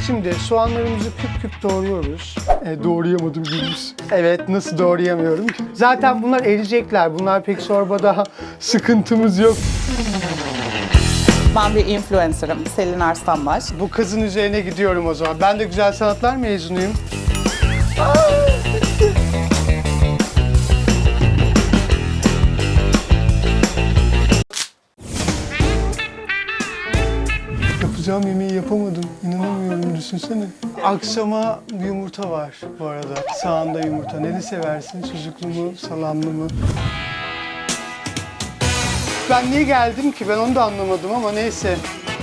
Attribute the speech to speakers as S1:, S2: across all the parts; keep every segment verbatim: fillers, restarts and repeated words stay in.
S1: Şimdi soğanlarımızı küp küp doğruyoruz. E, doğrayamadım Gündüz. Evet, nasıl doğrayamıyorum ki? Zaten bunlar eriyecekler. Bunlar pek çorbada sıkıntımız yok.
S2: Ben bir influencer'ım. Selin Arslanbaş.
S1: Bu kızın üzerine gidiyorum o zaman. Ben de güzel sanatlar mezunuyum. Yapacağım yemeği yapamadım. İnanamıyorum, düşünsene. Akşama bir yumurta var bu arada. Sağında yumurta. Neli seversin? Sucuklu mu, salamlı mı? Ben niye geldim ki? Ben onu da anlamadım ama neyse.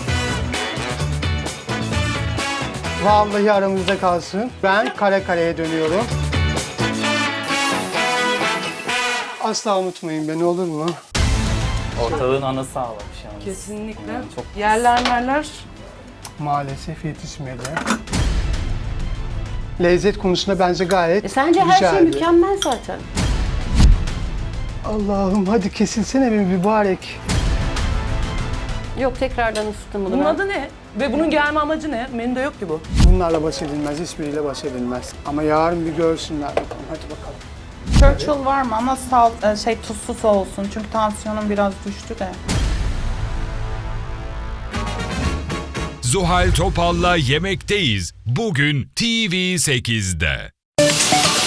S1: Vallahi aramızda kalsın. Ben kare kareye dönüyorum. Asla unutmayın beni, olur mu?
S3: Ortalığın anası ağlamış yani.
S4: Kesinlikle.
S3: Yani çok...
S4: Yerler merler.
S1: Maalesef yetişmedi. Lezzet konusunda bence gayet
S5: E sence her şey
S1: güzeldi.
S5: mükemmel zaten.
S1: Allah'ım hadi kesilsene bir mübarek.
S5: Yok, tekrardan ısıttım bunu
S4: Bunun
S5: ben.
S4: adı ne? Ve bunun gelme amacı ne? Menüde yok ki bu.
S1: Bunlarla baş edilmez, hiçbiriyle baş edilmez. Ama yarın bir görsünler bakalım, hadi bakalım.
S2: Churchill var mı ama sal, e, şey tuzsuz olsun çünkü tansiyonum biraz düştü de.
S6: Zuhal Topal'la Yemekteyiz. Bugün T V sekizde.